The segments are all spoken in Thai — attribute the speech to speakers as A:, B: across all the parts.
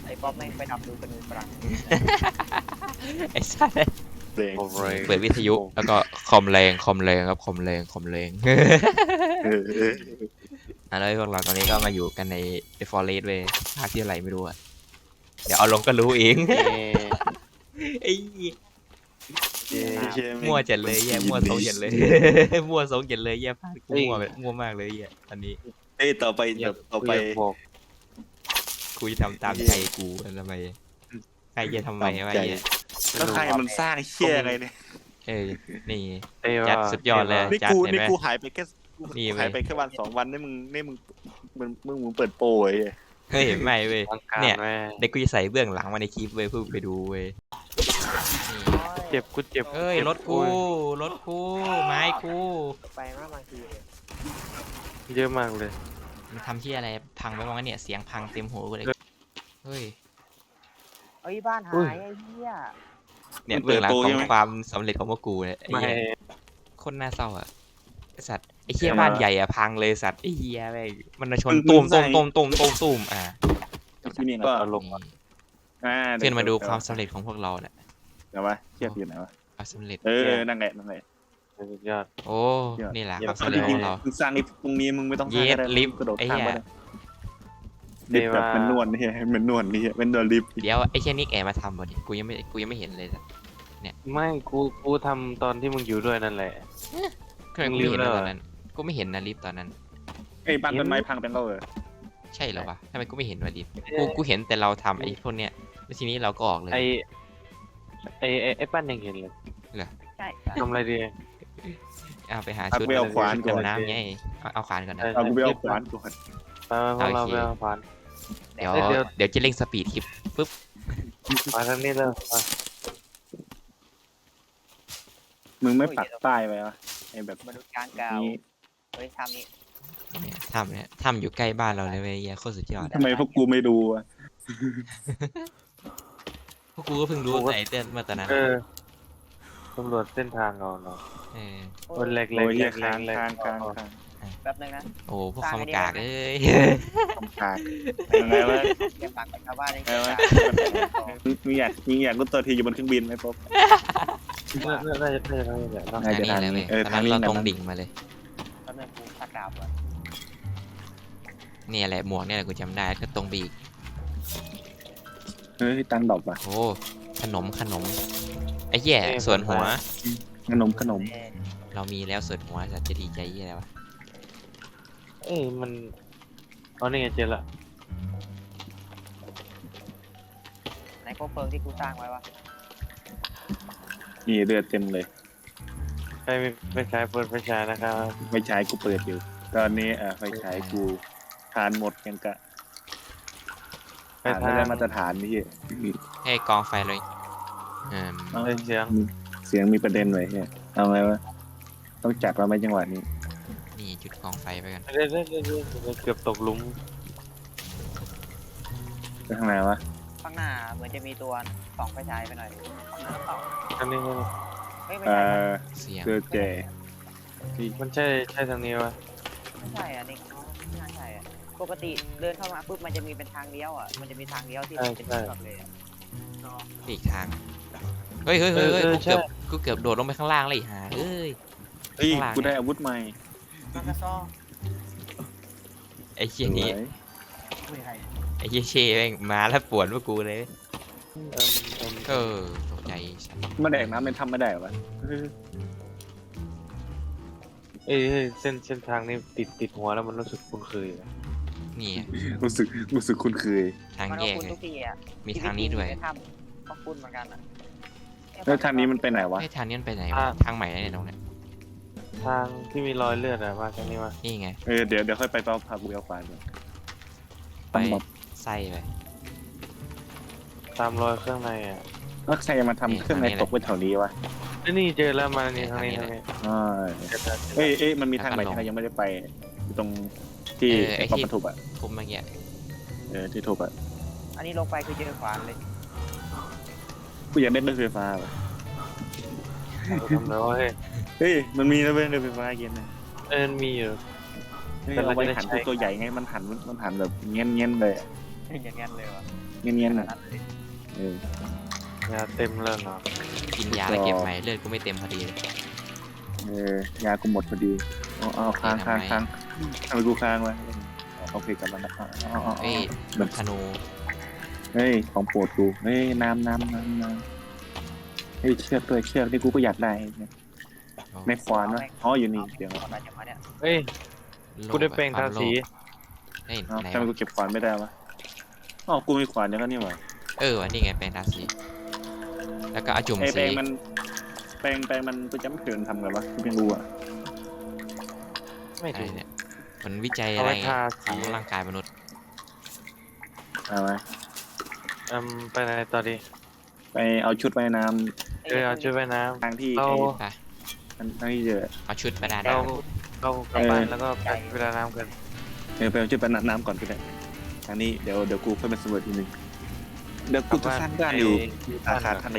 A: อ้ป๊อปไม่งไปทำดูกระนูฝรั่ง
B: ไอ้สัส
C: เพลง
B: เปิดวิทยุแล้วก็คอมแรงครับคอมแรง
C: เออ
B: แล้วพวกเราตอนนี้ก็มาอยู่กันในฟอเรสต์เว้ยภาคที่อะไรไม่รู้อะเดี๋ยวเอาลงก็รู้เองไอ้เหี้ย มั่วจัดเลยแย่มั่วทรงจัดเลย มั่วทรงจัดเลยแย่ภาคกูมั่วมากเลยแย่ตอนนี้
C: เอ้ยต่อไป
D: บอก
B: กูจะทำตามใจกูทำไมใครจะทำไมวะ
C: ใจ
B: แย่
C: แล้วใครมันสร้างเชี่ยไงเนี่ย
B: เออนี่
D: เอ้ย
B: จัด
D: ว่า
B: สุดยอดเลย
C: นี่
B: จัด
C: กู
B: เห็น
C: นี่
B: ไหม
C: กูหายไปแค่
B: นี่เว้ย
C: หายไปแค่วัน2 วันนี่มึงเปิดโปรไอ้
B: เฮ้ยไม่เว้ย
D: ทางการ
B: เนี่ย
D: แม่
B: เด็กกูจะใส่เบื้องหลังมาในคลิปเว้ยเพื่อไปดูเว้ย
D: เจ็บกูเจ็บ
B: เอ้ยรถกูไม้กู
A: ไปมากบางทีเนี่ย
D: เยอะมากเลย
B: มันทำที่อะไรพังไปบ้างวะเนี่ยเสียงพังเต็มหูกูเลยเฮ้ย
A: เอ้ยบ้านหายไอ้เหี้ย
B: เนี่ยเบื้องหลังของความสำเร็จของพวกกูเนี่ยไอ้
D: ไม่
B: เหี้ยคนน่าเศร้าอ่ะไอ้สัตว์ไอ้เหี้ยบ้านใหญ่อ่ะพังเลยสัตว์ไอ้เหี้ยแม่งมันมาชนตูมอ่ะ
C: ที่นี่ก็
D: เอาลง
B: นี่เพื่อนมาดูความสำเร็จของพวกเราเนี่ย
C: เดี๋ยววะเทียบอยู่ไหนวะ
B: ความสำเร็จ
C: นั่นแหละ
D: สุดยอด
B: โอ้นี่แหละความ
C: เอา
B: สำเร็จ
C: จ
B: ข
C: ริ
B: อง งเรา
C: ๆมึงสร้างลิฟต์ตรงนี้มึงไม่ต้องสร้าง
B: เย็ด
C: ก็ได้
B: ลิฟต์
C: กระโดด
B: ไอ้
C: ข้าม
B: เหี้ย
C: ไปได้ลิฟต์แบบเป็นนวลนี่เป็นนวลนี่เป็นนวลลิฟต์
B: เดี๋ยวไอ้เช่นนิกแอบมาทำบ่ดิกูยังไม่เห็นเลยสัตว์
D: ไม่กูทำตอนที่มึงอยู่ด้วยนั่นแหละ
B: ทำไมกูไม่เห็นนะตอนนั้นกูไม่เห็นนะลิฟต์ตอนนั้น
C: ไอ้บ้านต้นไม้พังเป็นเราเหรอ
B: ใช่เหรอวะทำไมกูไม่เห็นวะดิกูเห็นแต่เราทำไอ้พวกเนี้ยแล้วทีนี้เราก็ออกเลย
D: ไอ้ปั้นยังเห็นเลย
A: ใช่
D: ทำอะไรดี
B: เอาไปหาชุด
C: ไปเอาขวานก่อน
B: ดำน้ำไงเอาขวานก่อนนะ
C: เอากูไปเอาขวานก่อน
D: ไปพวกเราไปเอาผ่าน
B: เดี๋ยว
D: เดี๋ยว
B: เดี๋ยวจะเร่งสปีดคลิปปุ๊บ
D: มาทางนี้เลยมา
C: มึงไม่ปักป้ายไว้วะไอ้แบบ
A: มนุษย์กลางกาว
C: นี้
A: เฮ้ยทำนี้
B: เนี่ยทำอยู่ใกล้บ้านเราเลยเว้ยเหี้ยโคตรสุดยอด
C: ทำไมพวกกูไม่ดูอ่ะ
B: พวกกูก็เพิ่งรู้แต่ไอ้เต้นเมื่อตอนนั้น
D: ตำรวจเส้นทางเรา
B: เออ
D: คนเล็ก
C: โอ้ย
D: เล็ก
C: ค้าง
D: เล็ก
C: ค้าง
A: แป๊บนึงนะ
B: โอ้พวกคำกากเอ้ย
C: ค้างยังไงวะ
A: เก็บปากกับชาวบ้านได้
C: ไงวะมึงอยากรู้ตัวทีอยู่บนเครื่องบินไหมป๊บ
D: น่าจะทางนี้แหละเนาะ
B: ทางนี้เลยเว้ย
C: เออ
B: ตอน
C: ทาง
B: นั้น
C: นี้
B: เรา
C: นะ
B: ตรงดิ่งมาเลย
A: แป๊บนึงกูชักดาบก่อน
B: เนี่ยแหละหมวกเนี่ยแหละกูจำได้ก็ตรงบีก
C: เฮ้ยตังดอกว่ะ
B: โอ้ขนมไอ้แย่ส่วนหัว
C: ขนม
B: เรามีแล้วส่วนหัวสัตว์จะดีใจยี่อะไรวะ
D: มันอ๋อนี่ไงเจอละ
A: ไหนโคเฟิงที่กูสร้างไว้วะ
C: นี่เลือดเต็มเลย
D: ใครไม่ใช้เปิดไฟฉายนะครับ
C: ไฟฉายกูเปิดอยู่ ตอนนี้ไฟฉายกูทานหมดยังกะ
D: ไป
C: ทาน
D: ทา
C: ไม่
D: ง
C: ได้มาตรฐานนี่
B: ให้กองไฟเลยอืม
D: เสียง
C: เสียงมีประเด็นไว้เนี่ยเอาไงวะต้องจัดว่าไหมจังหวะนี้
B: นี่จุดกองไฟไปกัน
D: เเกือบตกหลุม
C: ไปทางไหนวะ
A: ข้างหน้าเหมือนจะมีตัวสองไฟฉายไปหน่อยข้างหน้าเปล่า
D: อันนี้
A: เฮ้ยไม่
C: เอ่
A: ใช่
C: อ
B: เสียง
C: เจอแก่
D: มันใช่ทางนี้วะ
A: ไม่ใช่อ่ะนี่ไม่น่าใช่อ่ะปกติเดินเข้ามาปุ๊บมันจะมีเป็นทางเลี้ยวอ่ะมันจะมีทางเลี้ยวที่เป็นแบบเลยอ่ะ
B: อีกทางเฮ้ยกูเกือบโดดลงไปข้างล่างเลยอีห่าเอ้ย
C: เฮ้ย
B: ข้างหลัง
C: กูได้อาวุธใหม่
A: มันก็ซ้อ
B: ไอ้เชี่ยนี้
C: สวย
A: ไม่ใช่
B: ไอ้เชี่ยเช่แม่งมาแล้วปวดพวกกูเลย
D: เออ
B: ตกใจสัตว์
C: มาแดกน้ำเป็นทำไม่ได้วะ
D: เส้นทางนี้ติดหัวแล้วมันรู้สึกคุ้นเคย
B: นี่
C: รู้สึกคุ้นเคย
B: ทาง
A: มัน
B: แย
A: ก็
B: ก
A: คุ้น
B: เล
A: ทุ
B: ย
A: กทีอ่ะ
B: มีทางนี้ด้วย
A: ทำก็คุ้นเหมือนกันอ่ะ
C: แล้วทางนี้มันไปไหนวะ
B: ไอ้ทางนี้มันไปไหนวะทางใหม่แล้วเนี่ยตรงเนี้ย
D: ทางที่มีรอยเลือดอะมาทางนี้มา
B: นี่ไง
C: เดี๋ยวค่อยไปเป้าพากูเอาขวานก่อน
B: ไปไส้ไป
D: ตามรอยเครื่องในอะ
C: แล้วใครจะมาทำเครื่องในตกไว้แถวนี้วะ
D: นี่เจอแล้วมานี่ทางนี้
C: อ่าเอ้ยมันมีทางใหม่ที่เรายังไม่ได้ไปอยู่ตรงที่ป้อมปทุบอ่ะ
B: ทุบเมื่อกี้
C: ที่ทุบอ่ะ
A: อันนี้ลงไปคือเจอขวานเลย
C: กูอยากได้รถไฟฟ้าว่ะ
D: ทำแล้วเฮ้ย
C: เฮ้ยมันมีนะเว้ยรถไฟฟ้าเย็นนะ
D: มีอยู่
C: เฮ้ยเอาไว้หันตัวใหญ่ไงมันหันแบบเงี้ยเลย
A: อย่างงั้นเลยวะ
C: เงี้ยๆน่ะเออย
D: าเต็มแล้วเหรอ
B: กินยาแล้วเก็บใหม่เลือดกูไม่เต็มพอดีเลย
C: ยากูหมดพอดีเอาค้างทำไมกูค้างวะโอเคกลับมาแล้ว
B: เอ้ย
C: แบบ
B: ธนู
C: เฮ้ยของโปรดกูเฮ้ยน้ำเฮ้ยเชือกด้วยเชือกที่กูก็อยากได้ไม่ควานวะอ๋ออยู่นี่เดี๋ยว
A: อะไรอย่างเงี้ย
D: เอ้ยกูได้แปลงทาสี
B: เฮ้ยไหน
C: ทำไมกูเก็บขวานไม่ได้วะอ๋อกูมีขวานอย่างนั้นนี่หว่า
B: นี่ไงแปลงทาสีแล้วก็เอาจุ่ม
C: แปล
B: สี
C: งมันกูจำไม่ถึงทำไงวะกูไม่รู้อ่ะ
D: ไม่
B: อะไร
D: ถูก
B: เนี่ยมันวิจัย
D: เอา
B: อะไร
D: ไว้ทา
B: ข
D: สี
B: องร่างกายมนุษย์
C: เอาไว้
D: ไปไหนต่อดี
C: ไปเอาชุดว่ายน้
D: เอาชุดว่ายน้
C: ำทางที่
D: ำเรา
B: ไป
C: ทางที่เจอ
B: เอาชุดประดา
D: เรา
B: น้ำ
D: เรากลับบ้านแล้วก็ไปเวลาน้ำกัน
C: ไปเอาชุดไปน้ำก่อนก็ได้ทางนี้เดี๋ยวกูค่อยมาสำรวจทีนึงเดี๋ยวกูจะสร้างบ้านอยู่อาคารทะเล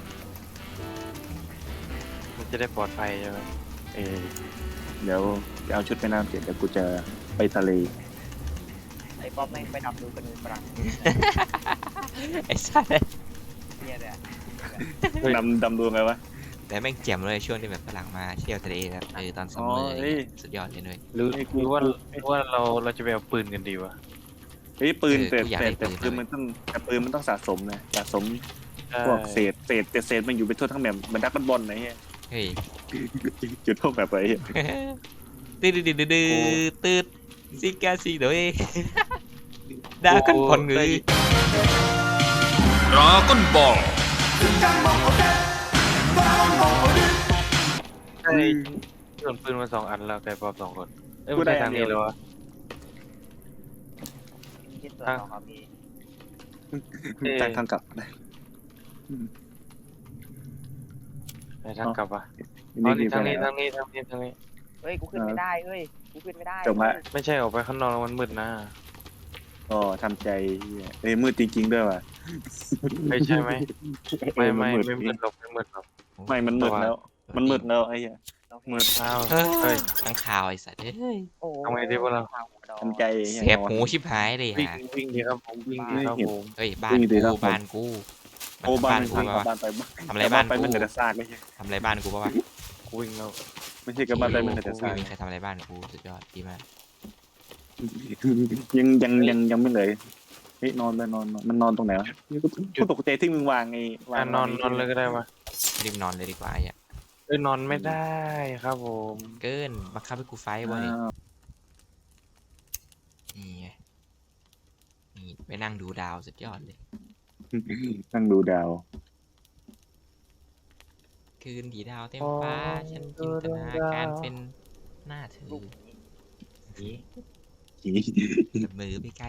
D: มันจะได้ปลอดภัยใช่ไหม
C: เดี๋ยวเอาชุดไปน้ำเสร็จเดี๋ยวกูจะไปทะเล
A: ไอ้ป๊อปไม่ไปดำดูกันดูฝรั่ง
B: ไอ้สัส
A: เนี่ยเนี่ย
C: ดำดูไงวะ
B: แต่แม่งแจ่มเลยช่วงที่แบบฝรั่งมาเที่ยวทะเลแบบตอนซัมเมอร์อะไรเงี้ยสุดยอดเลยด้วย
D: หรือว่าเราจะไปเอาปืนกันดีวะ
C: เฮ้ยปืน
B: กูอยากได้
C: แต่
B: ปืน
C: ปืนมันต้องสะสมนะสะสม
D: ใช่
C: พวกเศษมันอยู่ไปทั่วทั้งแบบมันดักบอลไหนเงี้ย
B: เฮ้ย
C: จุดพวกแบบอะไร
B: ตืดตืดซิกาซิโดยดากันผ่อนเงย
E: Dragon Ball
D: ใช่ส่วนปืนมา2 อันแล้วแต่ปอบ2 คนไม่ใช่ทางนี้เลยวะ
A: คิดตัวของเขามี
C: จากทางกลับ
D: ไปทางกลับวะ
C: นี่
D: ทางนี้
C: ไป
D: ทางนี้
A: เฮ้ยกูขึ้นไม่ได้เฮ้ยกูขึ้นไม่ได้
C: จบละ
D: ไม่ใช่ออกไปข้างนอกแล้วมันมืดนะ
C: ก็ทำใจมืดจริงๆด้วยว่ะ
D: ไม่ใช่ไหมไม่
C: มัน
D: มืดหรอกไม่มืดหรอก
C: ไม่มันมืดแล้วไอ้เหี้ย
D: มืดอ้าว
B: เฮ้
D: เฮ้
B: ย
D: ย
B: ทั้งข่าวไอ้สัตว์เฮ้ย
A: โอ้
D: ทำไงดีวะเรา
C: ทำใจ
B: เสียบหูชิบหายเลย
D: วิ่ง
B: ฮะ
D: วิ่งดีครับผมวิ่งดีครับผม
B: เฮ้ยบ้านกู
C: โอ้บ้าน
B: กู
C: พัง
B: ปะวะ
C: บ้านไป
B: ทำอะไรบ้าน
C: ไป
B: กู
C: มันเหลือแต่ซากไม่ใช่
B: ทำอะไรบ้านกูปะวะ
D: วิ่งแล้ว
C: ไม่ใช่กับบ้านไปมันเหลือแต่ซาก
B: ไม่มีใครทำอะไรบ้านกูสุดยอดดีมาก
C: ยังไม่เลยเฮ้ยนอนมันนอนตรงไหนวะกูตกใจที่มึงวางไง
D: นอนเลยก็ได้ปะ
B: รีบนอนเลยดีกว่าอ่ะ
D: นอนไม่ได้ครับผม
B: เกินบังคับให้กูไฟบ่เนี่ยนี่ไงนี่ไปนั่งดูดาวสุดยอดเลย
C: นั่งดูดาว
B: คืนที่ดาวเต็มฟ้าฉันจินตนาการเป็นหน้าเธอจับมือไปไกล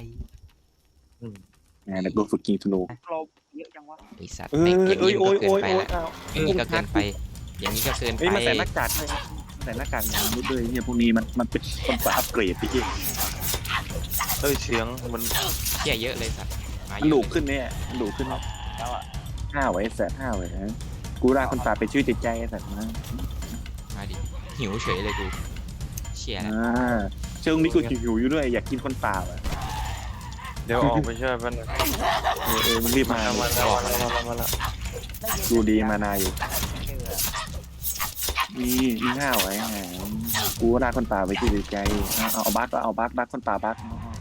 C: แล้วก็ฝึกยิงธนู
A: เราเยอะจังวะ
B: ไอสัตว์อย่างนี้ก็เกินไปละอย่างนี้ก็เกินไป อย่างนี้ก็เกินไป
C: เฮ้ยมาใส่หน้ากากเลยใส่หน้ากากอย่างนี้ด้วยเนี่ยพวกนี้มันเป็นคนอัปเกรดพี่
D: เฮ้ยเสียงมัน
B: เที่ยเยอะเลยสัตว์มา
C: มันดุขึ้นเนี่ยมันดุขึ้น
A: แล้วอ่ะ
C: 5 ไว้แสน5 ไว้นะกูได้คนป่าเป็นชื่อจิตใจไอ้สัตว์นะ
B: มาดิหิวเฉยเลยกูเชี่ยแล้ว
C: เชิงนี้กูหิวอยู่ด้วยอยากกินคนป่าอ่ะ
D: เดี๋ยวออกไปช่วยมัน
C: มันรีบมา
D: มาแล้ว
C: ดูดีมานาอยู่มี5 ไว้กูได้คนป่าไปชื่อจิตใจเอาบัคก็เอาบัคคนป่าบัค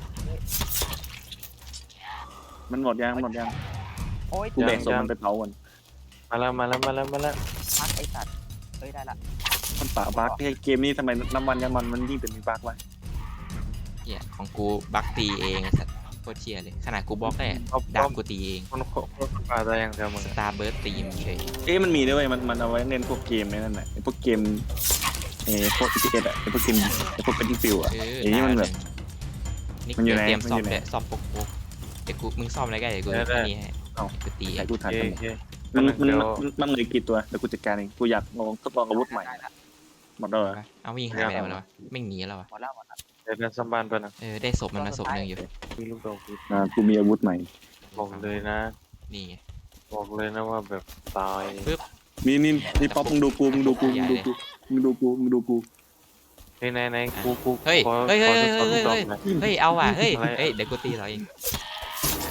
C: มันหมดยัง
A: โอ้ย
C: กูแบ่งส่งมันไปเผากัน
D: มาแล้ว
A: พักไอสัตว์เฮ้ยได้ละ
C: คนป่าบัคเกมนี้ทำไมน้ำมันยังมันยิ่งเป็นมีบัควะ
B: เหี้ยของกูบักตีเองไอ้สัตว์โคตรเชี่ยเลยขนาดกูบล็อกได้ดาบกูตีเอง
D: คนปลาตายอย่างเดียวมึง
B: สตาร์เบิร์ดตีมเฉย
C: มันมีด้วยมันเอาไว้เน้นพวกเกมนั่นแหละพวกเกมพวกพีเอสอ่ะพวกเกมพวกเป็นฟิลอ่ะ
B: นี่
C: มันแบบ
B: นี่
C: มันอยู่ไหน
B: เตรียมซ่อม
C: มันอยู่ไหน
B: เลยซ่อมปกเดี๋ยวกูมึงซ่อมอะไรก็เดี๋ยวกูนี่ให้กูตีเอ
C: ใส่
B: ง
C: กูทัน
D: โอ
C: กัน
D: เค
C: มันเลยกี่ตัวแต่กูจัดการเองกูอยากลองทดลองอาวุธใหม่หมดแล้วเหรอ
B: เอาวิ่งหายไปไหนแล้ววะไม่หนีแล้ววะ
A: หมดแล้ว
D: เดี๋ยวสัมบันไปนะ
B: ได้ศพมันมาศพหนึ่งอยู่
D: มีลูกดอก
C: กูมีอาวุธใหม่
D: บอกเลยนะ
B: นี่ไง
D: บอกเลยนะว่าแบบตาย
C: นี่ป๊อปมึงดูกูมึงดูกูไหน
D: กู
B: เฮ้ย
D: ขอ
B: เฮ้ย
D: ข
B: เฮ้
D: อย ดู
B: เฮ้ย
D: ขอดูดอกหน่อย
B: เฮ้ยเอาว่ะเฮ้ยเดี๋ยวกูตีเราเอง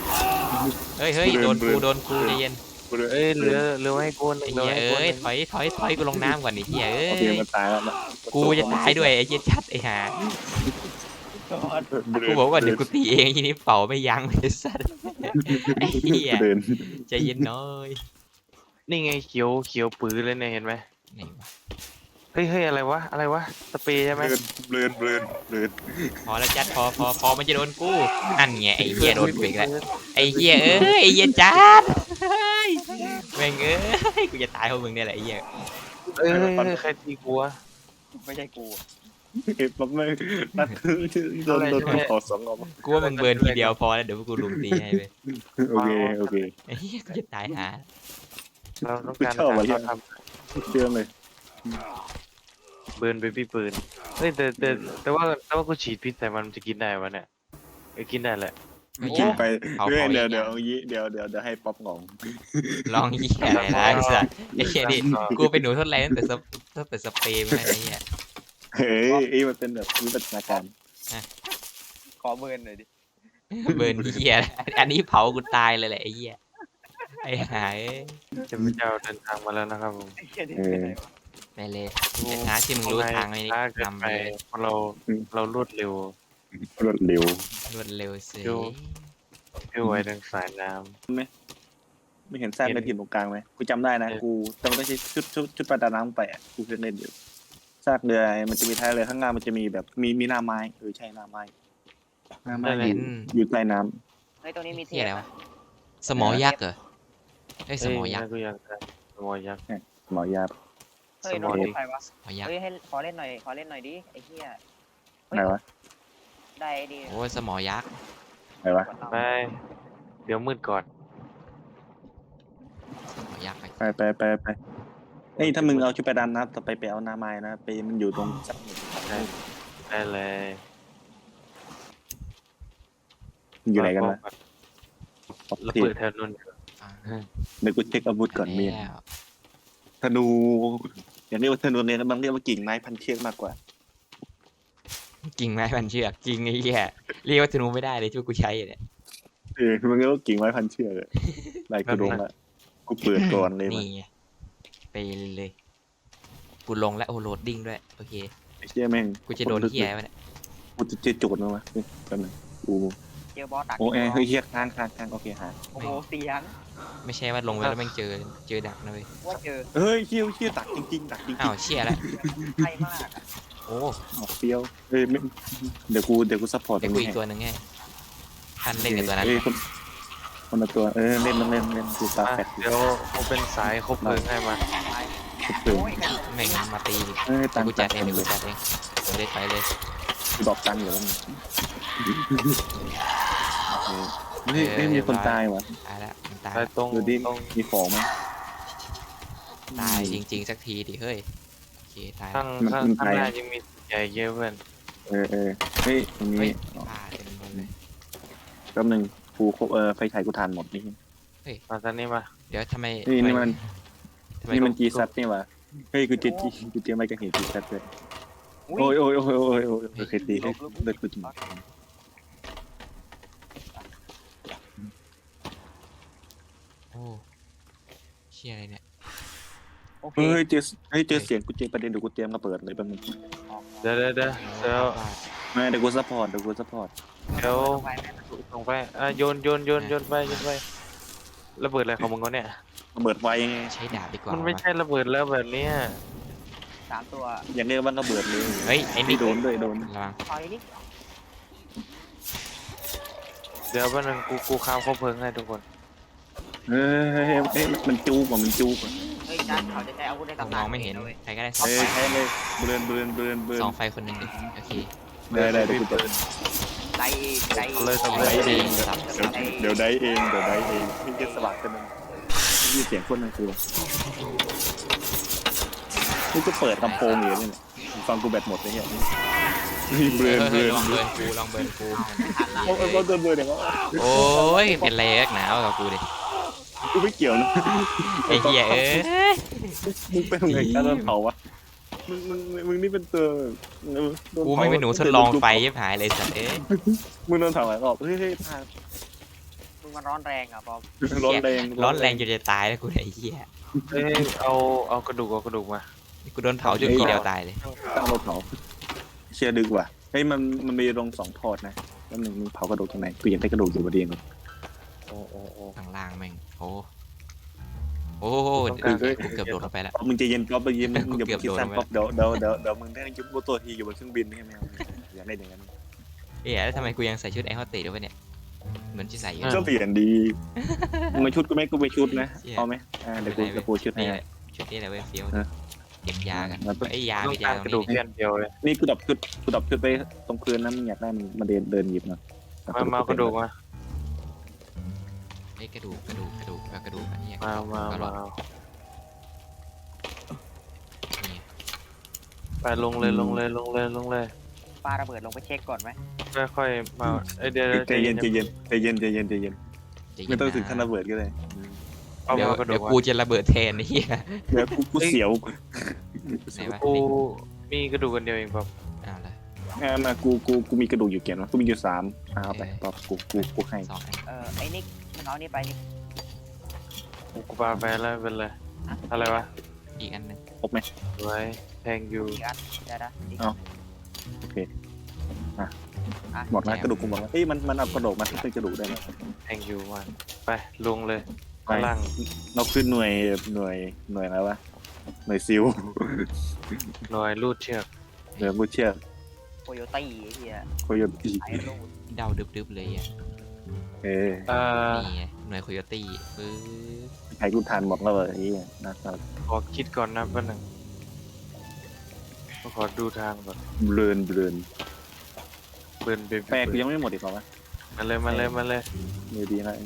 B: เฮ้ยเฮ้ยโดนกูใจเย็น
D: เอ้ยเหลือให้กูหนึ่
B: ไอ้
D: งเหลื
B: เหี้
D: อย ให้กูห
B: เอ้ย
D: นึ่ง
B: ถอยกูลงน้ำก่อนไอ้เหี้ยเอ้
C: โอเค
B: ย
C: มันตายแล้วนะ
B: กูจะตายด้วยไอ้เหี้ยชัดไอ้ห่ากูบอกว่าเดี๋ยวกูตีเองทีนี้เป่าไม่ยั้งเลยสัตว์ไอ้เหี้ย
C: เดิน
B: ใจเย็นน้อย
D: นี่ไงเขียวปื้อเลยเนี่ยเห็นไหม
B: ไหนวะ
D: เฮ้ยอะไรวะสเปรย์ใช่ไหม
C: เดิน
B: พอแล้วจัดพอมันจะโดนกูอันไงไอ้เหี้ยโดนกูอีกแล้วไอ้เหี้ยเอ้ยไอ้เหี้ยจัดเฮ้ยแม่งเอ้ยกูจะตายเพราะมึงเนี่ยแหละไอ้เหี้ย
D: เอ้ยใครตีกูวะ
A: ไม่ใช่กู
C: เก็บปั๊บไม่นัดโดนขอสองออก
B: กูว่ามึงเบิร์นทีเดียวพอแล้วเดี๋ยวกูลุมตีให้ไป
C: โอเค
B: ไอ้เหี้ยกูจะตายหา
D: เราต้อง
C: กู
D: การ
C: ชอบอะไร
D: เราท
C: เชื่อเลย
D: ำเบิร์นเบบี้ปืนเฮ้ยแต่ว่ากูฉีดพิษใส่มันจะกินได้วะเนี่ยกินได้แหละ
C: กินไป
B: เผา
C: เดี๋
B: เผา
C: ยวเดี๋ยวให้ป๊อปงอง
B: ลองยี่อะไรนะไอ้สัสไอ้เหี้ยนี่กูเป็นหนูทดลองตั้งแต่สเปรย์มาไอ้เหี้ย
C: เฮ้ยมันเป็นแบบวิวัฒนาการ
A: ขอเบิร์นหน่อยดิ
B: เบิร์นเหี้ยอันนี้เผากูตายเลยแหละไอ้เหี้ยไอ้หาย
D: เจ้าพเจ้าเดินทางมาแล้วนะครับผม
A: ไอ้เหี้ยนี่เป็นไงวะ
B: ไปเลยไอ้หาที่มึงรู้ทางไอ้นี่
D: ช้าเกิน
B: นำ
D: ไป
B: ไปเลย
D: เพราะเรารวดเร็ว
C: รวดเร็ว
B: รวดเร็วสิ
D: เร็วไวดังสายน้
C: ไม่เห็นแซมในถิ่นตรงกลางไหมกูจำได้นะกูจำได้ใช้ชุดประดาน้ำไปอ่ะกูเคยเล่นอยู่ซากเรือมันจะมีท้ายเรือข้างหน้ามันจะมีแบบมีหน้าไม้ใช่หน้าไม้อยู่ใต้น้
A: เฮ้ยตัวนี้มีเที
B: เหี้ย
A: ย
B: อะไร
A: น
B: วะสมอยักษ์เหรอไอ้ย
D: ำ
B: สมอยักษ์
D: กูอยากได้สมอยักษ์
C: ำหมอยา
A: เฮ้ย
D: ส
A: โด
D: มอน ดิ
A: ใครวะ
B: สมอยักษ์
A: เฮ้ยให้ขอเล่นหน่อยดิไอ้เหี้ย
C: ไหนวะ
A: ได้ไอ้ดี
B: โอ้ยสมอยักษ์
C: ไหนวะ
D: ไปเดี๋ยวมืดก่อน
B: สมอยักษ์
C: ไปเฮ้ยถ้ามึงเอาชุดประดาน้ำต่อไปเอาหน้าไม้นะไปมันอยู่ตรงสัก
D: ได้เลย
C: อยู่ไหนกันนะ
D: ระเบิดแถวนู้น
B: อ่า
C: เดี๋ยวกูเช็คอาวุธก่อนมี
B: แล้ว
C: ธนูอย่างเรียกว่าธนูเนี่ยบางเรียกว่ากิ่งไม้พันเชือกมากกว่า
B: กิ่งไม้พันเชือกกิ่งไอ้เหี้ยเรียกว่าธนูไม่ได้เลยที่กูใช้เนี่ย
C: มันเรียกว่ากิ่งไม้พันเชือกลายกูลงละกูเปิดก่อนเลย
B: นี่ไงไปเลยกูลงแล้วโอ้โหลดดิ้งด้วยโอเค
C: ไอ้เชี่ยแม่ง
B: กูจะโดนเหี้ยไอ้วะเนี่ย
C: กูจะเจอโจทย์มั้ยวะกันนึงกู
A: เจอบอสดัก
C: โอ้เฮ้ยเฮียค้างโอเคหา
A: โอ้โหเสียง
B: ไม่ใช่ว่าลงไปแล้วแม่งเจอดักนะเว้ย
A: ว่าเจอ
C: เฮ้ยเชี่ยตักจริงตักจริง
B: อ้าวเชี่ยแล้ว
A: ใช่มากอะ
B: โอ้
C: เปรี้ยวเดี๋ยวกูซัพพอร์ต
B: เดี๋ยวกูอีกตัวหนึ่งไงท่านเล่นกับตัวนั้น
C: คนละตัวเล่นดูตาแฟด
D: เดี๋ยวกูเป็นสายคบเพลิงให้มา
C: ตื่น
A: โอ้ยใคร
B: แม่งมาตีดิ
C: เฮ้ย
B: เดี๋
C: ตั
B: ยว
C: ง
B: กูจัดเองเดี๋ยวกูจัดเองเดี๋ยวได้ไปเลย
C: กูดอกตังอยู่แล้วไม่มีคนตายวะ
B: ตายละมันตาย
D: ไป
B: ละ
D: ตรง
C: ดูดิ
D: ตรง
C: มีของไหม
B: ตายจริงๆสักทีดิเฮ้ยโอเคตาย
D: ข้า
B: ละ
D: งหน้ายังมีใหญ่เยอะเพื่อน
C: เฮ้ยตรง
B: เฮ้
C: นี้
B: ยตายเต็มหมดเลย
C: แป๊บนึงกูไฟฉายกูทานหมดนี่
D: มาตอนนี้มา
B: เดี๋ยวทำไม
C: นี่มัน
B: ทำไม
C: นี่มันจีซัดนี่วะเฮ้ยกูเจอไม่กันเห็นจีซัดเลย
A: อุ้ย
C: โอ้ยเคยตีให้เลือดกูจุ่ม
B: โอ้เชี่ยอะไรเนี่ย
A: โอเค
C: เฮ้ยเจอเสียงกูเจอประเด็นเดี๋ยวกูเตรียมมาเปิดเลยแป๊บนึง
D: เดี๋ยว
B: โอ้
D: เดี๋ยว
C: ไม่เดี๋ยวกูซัพพอร์ต
A: ไปไหม
D: ส่งไปโยนไประเบิดอะไรของมึงเขาเนี่ย
C: ระเบิดไฟไง
B: ใช้ดาบดีกว่า
D: มันไม่
B: วะ
D: ใช่ระเบิดแล้วแบบเนี้ย
A: 3 ตัว
C: อย่างเรียกว่าระเบิดเลย
B: เฮ้ยไอ้
C: ไม่
B: นี่
C: โดนด้วยโดน
B: ระวัง
A: ถอยดิ
D: เดี๋ยววันนึงกูข้ามคบเพลิงให้ทุกคน
C: เฮ้ยมันจูบอ่ะ
A: เฮ้ยจันเขาจะใช้อาวุธใน
B: ผม
A: ตำนาม
B: อน งไม่เห็น
A: ว้ย
B: ใครก็ได้
C: เฮ้ยใช่เลยเบือน
B: ส่องไฟคนหนึ่งดิโอเค
C: ได้เดี๋ยวกูจะ
A: ไล่ไล่
D: เลยส
B: ไ
D: บาย
B: ด้
D: ดี
B: สับ
C: เดี๋ยวได้เองที่จะสลับกันนึงนี่เสียงคนนั่นคือนี่ก็เปิดลำโพงอยู่นี่ฟังกูแบตหมดเลยเนี่ยเบือน
B: ลองเบิร์นกูลองเบิร์นกู
C: โอ้ยเบือนอย่างว่า
B: โอ้ยเป็นไรนักหนาวกับกูดิ
C: กูไม่เกี่ยวนะ
B: ไอ้เหี้ยเอ้ย
C: มึงเป็นไงการโดนเผาวะมึงนี่เป็นตัว
B: กูไม่เป็นหนูทดลองไฟยิบหายเลยสัตว์เอ้ย
C: มึงโดนเผาหลายรอบเฮ้ยพา
A: มึงมันร้อนแรงอ่ะบอม
C: ร้อนแรง
B: ร้อนแรงจนจะตายแล้วกูเนี่ยไอ้เหี้ย
D: เอ้ยเอากระดูกมา
B: กูโดนเผาจนทีเดียวตายเลย
C: ตั้งรถเผาเชียร์ดึกว่ะเฮ้ยมันมีโรง2 ทอดนะแล้วมึงเผากระดูกตรงไหนกูอยากได้กระดูกอยู่บนเตียง
D: โอ้
B: ข้างล่างแม่งโอ้โอ้กูเกือบโดดลงไปแล้ว
C: มึงจะเย็นก๊อฟไปเย็นมึงอย่า
B: กู
C: ไปคิด
B: เกือบ
C: สั้น
B: โดน
C: ก๊อฟเดี๋ยวมึงได้ยุบตัวทีอยู่บนเครื่องบินนี่ไหมอย่าได้อย่างนั้น
B: เอ๊ะแล้วทำไมกูยังใส่ชุดแอร์โฮสเตสด้วยวะเนี่ยเหมือนที่ใส่อยู่
C: ก็เปลี่ยนดีมึงมาชุดก็ไม่กูไปชุดนะเอาไหมเดี๋ยวกูชุดให้
B: นี่แหละชุดนี้แหละเว้ยเฟี้ยวเก็บยากันไอ้ยา
D: ต้อ
B: ไม่
D: ง
B: ยา
D: การ
B: ตรง
D: กระดูก
B: นี้
D: แค่อันเดียวเลย
C: นี่กูดับชุดไปตรงคืนนะมึงอยากได้มันเดินหยิบนะ
D: มากระดูกมา
B: ไอ้กระดูกอันนี้
D: มา
B: นี่
D: ไปลงเลย
A: ปาระเบิดลงไปเช็คก่อนไหม
D: ค่อยๆมาเดี๋ยว
C: ใจเย็นไม่ต้องถึงขั้นระเบิดก็เลย
D: เอา
B: เดี๋ยว
D: กระดู
B: เดี๋ย
D: ก
B: ว
D: มา
B: กูจะระเบิดแทนไอ้เหี้ย
C: เดี๋ยวกูเสียว
B: ไหนวะ
D: กูมีกระดูกกันเดียวเองครับ
B: เอาละ
C: มากูมีกระดูกอยู่เกี่ยนวะกูมีอยู่3เอาไปป๊อปกูให้
B: 2 อัน
A: ไอ้นิกมันเอานี่ไปนี่
D: กูปาไปแล้วเป็นไรอะไรวะ
B: อีกอันหนึง
C: ครบไหม
D: ไว้แทงยู
A: อีกอันได้นะอีก
C: โอเคหมดแล้วกระดูกกูหมดแล้วเอ้ยมันเอากระดูกมาที่เป็นกระดูกได้ไหม
D: แทงยูมาไปลงเลยข้างล่าง
C: เราขึ้นหน่วยอะไรวะหน่วยซิล
D: หน่อยลูดเชือก
C: หน่วยบูเชีย
A: โคโยตี้ไอ้เหี้ย
C: โคโยตี
A: ไอ้ลูก
B: เดาดึบๆเลยอ่ะ
C: เออ
B: นี่ไงหน่วยโคโยตี้ปึ๊บ
C: ใครกูทานหมดแล้วเลยไอ้เหี้ยนะครับ
D: ขอคิดก่อนนะแป๊บนึงขอดูทางก่อน
C: เบลน
D: เบิร์นเบ
C: แปลกูยังไม่หมดอีกเหรอวะ
D: มาเลย
C: มือดีนะ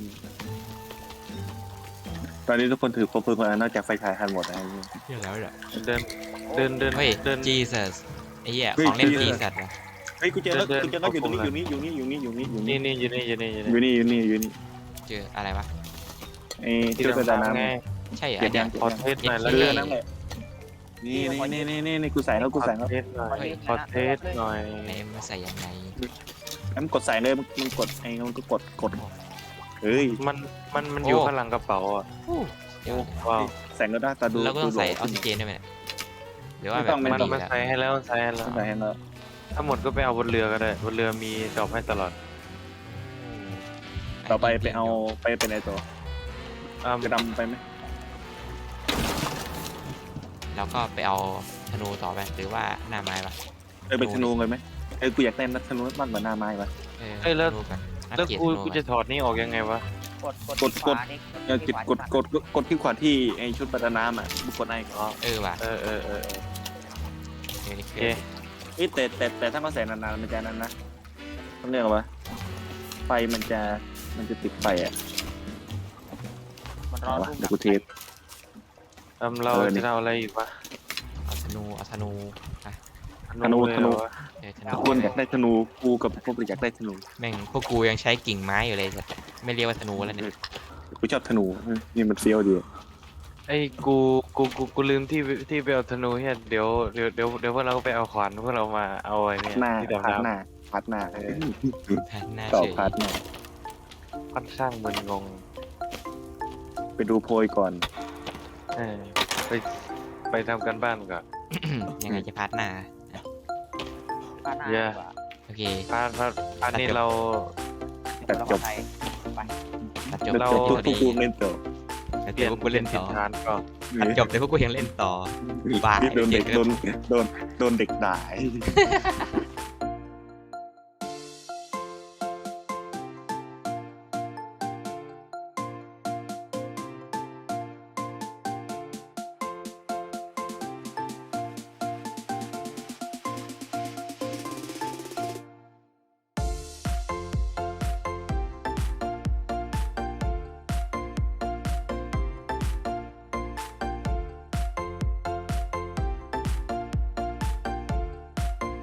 C: ตอนนี้ทุกคนถือครบเพลิงมานอกจากไฟฉายทันหมดนะ
B: เรียกแล้วเหรอ
D: เดิน
B: เฮ้ย
D: เดิน
B: Jesus ไอ้เหี้ยของเล่น Jesus นะ
C: เฮ้ยกูเจอแล้วอยู่ตรงนี้อยู่นี่
D: นี่อยู่นี่
C: อยู่นี่
B: เจออะไรวะ
C: ไอ้ที่เราดาน้
D: ไง
B: ใช่เหรอ
C: ำเก็
B: อั
C: บ
B: น
C: ยั
B: เนี้ย
C: ง
D: ขอเทสหน่อยแล้ว
C: เรือ
D: กัน
C: นั่นแหละนี่กูใส่แล้วกูใส่แล้ว
D: เทสหน่อยขอเทสหน่อย
B: ไหนมาใส่ยังไง
C: งั้นกดใส่เลยมึงกดไอ้มันก็กดเฮ้ย
D: มันอยู่ข้างหลังกระเป๋าอ่ะ
B: เดี๋ยว
D: ว้าว
C: แสงก็ได้ตาดู
B: เราก็ต้องใส่ออกซิเจนด้วยไหมเนี่ยหรือว่าแบบ
C: ไม่
B: มัน
C: ต้
B: ดี
C: อง
D: มัน
B: แล้ว
D: ใส่ให้แล้ว
C: ใส่ให้แล้ว
D: ถ้าหมดก็ไปเอาบนเรือก็ได้บนเรือมีดอกให้ตลอด
C: ต่อไปเอาไปเป็นไอ้ตัว
D: อ่า
C: จะดำไปไหม
B: แล้วก็ไปเอาธนูต่อไปหรือว่าหน้าไม้ปะ
C: ไปธนูเลยไหมกูอยากเล่นนักธนูมากกว่าหน้าไม้ปะ
B: ธนูกันอัป
D: แล้ว
B: เกรด
D: กู
B: ธนู
D: กูจะถอดนี่ออกยังไงวะ
A: กดขวานี่
C: กดที่ขวาที่ไอ้ชุดประดาน้ำอ่ะบุกกดไอ้ก็
B: ว่ะ
D: เออ
B: โอ
D: โอ
B: เค
D: เค
C: แต่ถ้าเขาใส่นานๆมันจะนั้นนะต้องเรียกว่าไฟมันจะติดไฟอ่ะ
A: มันร้อน
C: เดี๋ยวกูเทส
D: เราจะเอาอะไรอีกวะ
B: เอาธนู
C: ธนู
B: เออธนู
C: ทุกคนอยากได้ธนูกูกับพวกอยากได้ธนู
B: แม่งพวกกูยังใช้กิ่งไม้อยู่เลยสัตว์ไม่เรียกว่าธนูแล้วเนี่ย
C: กูชอบธนูนี่มันเฟี้ยวดี
D: ไอ้กูลืมที่ไปเอาธนูเฮียเดี๋ยวพวกเราก็ไปเอาขวานพวกเรามาเอาไอ้เนี่ย
C: หน้า
D: ที่
C: พัด
D: ดำ
C: หน้าพัดหน้า
B: แทนหน้า
C: ต่อ
B: เฉย
C: พัดหน้า
D: ๆค่อนข้างมึนงง
C: ไปดูโพยก่อน
D: เออไปทำกันบ้านก่อน
B: ยังไงจะพัดหน้า
A: ป้าหน้า
B: โอเค
D: พาร์ทนี้เรา
C: แต่จบ
B: ตัดจบ
C: แล้ว
B: พ
C: ทุ
B: อก ดี
C: กูเล่นต่อ
B: แต่พวกกูเล่นต่อ
D: ทานก็
B: ตัดจบแต่พวกกูยังเล่นต่อบ้า
C: โดนเด็กโดนเด็กด่า